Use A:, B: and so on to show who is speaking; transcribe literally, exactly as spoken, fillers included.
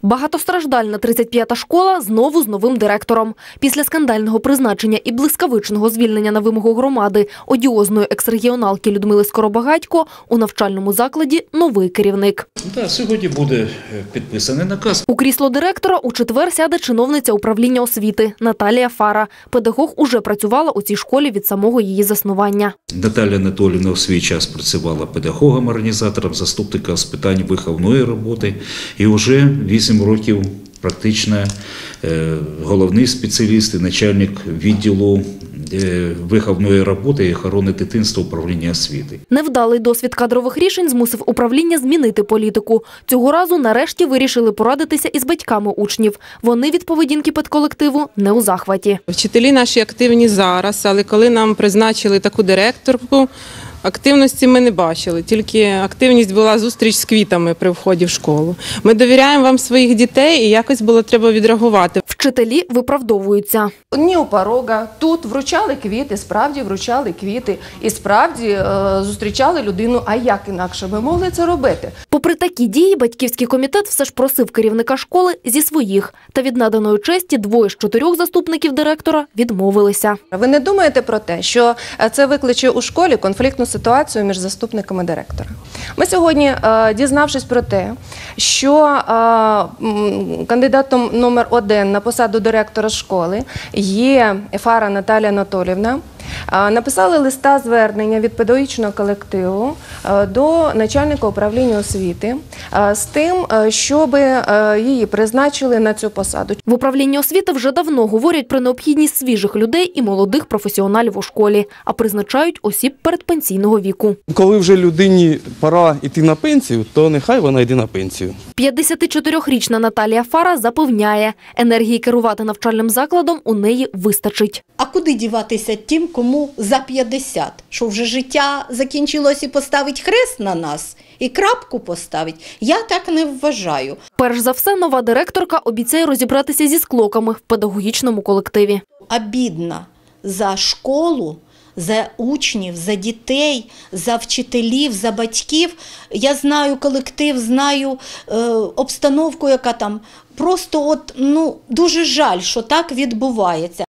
A: Багатостраждальна тридцять п'ята школа знову з новим директором. Після скандального призначення і блискавичного звільнення на вимогу громади одіозної екс-регіоналки Людмили Скоробагатько у навчальному закладі новий керівник.
B: Так, сьогодні буде підписаний наказ.
A: У крісло директора у четвер сяде чиновниця управління освіти Наталія Фара. Педагог уже працювала у цій школі від самого її заснування.
B: Наталія Анатоліївна у свій час працювала педагогом-організатором, заступником з питань виховної роботи і вже вісім років практично головний спеціаліст і начальник відділу виховної роботи і охорони дитинства управління освіти.
A: Невдалий досвід кадрових рішень змусив управління змінити політику. Цього разу нарешті вирішили порадитися із батьками учнів. Вони від поведінки педколективу не у захваті.
C: Вчителі наші активні зараз, але коли нам призначили таку директорку, активності ми не бачили, тільки активність була зустріч з квітами при вході в школу. Ми довіряємо вам своїх дітей і якось було треба відреагувати.
A: Вчителі виправдовуються.
D: Ні у порога, тут вручали квіти, справді вручали квіти і справді е, зустрічали людину, а як інакше ми могли це робити?
A: Попри такі дії, батьківський комітет все ж просив керівника школи зі своїх. Та від наданої честі двоє з чотирьох заступників директора відмовилися.
D: Ви не думаєте про те, що це викличе у школі конфліктну ситуацію між заступниками директора? Ми сьогодні, е, дізнавшись про те, що е, кандидатом номер один на посаду директора школи є Фара Наталія Анатоліївна, написали листа звернення від педагогічного колективу до начальника управління освіти з тим, щоб її призначили на цю посаду.
A: В управлінні освіти вже давно говорять про необхідність свіжих людей і молодих професіоналів у школі, а призначають осіб передпенсійного віку.
E: Коли вже людині пора йти на пенсію, то нехай вона йде на пенсію.
A: п'ятдесятичотирирічна Наталія Фара запевняє, енергії керувати навчальним закладом у неї вистачить.
F: А куди діватися тим, кому за п'ятдесят? Що вже життя закінчилось і поставить хрест на нас? І крапку поставить? Я так не вважаю.
A: Перш за все, нова директорка обіцяє розібратися зі склоками в педагогічному колективі.
F: Обідно за школу, за учнів, за дітей, за вчителів, за батьків. Я знаю колектив, знаю е, обстановку, яка там. Просто от, ну, дуже жаль, що так відбувається.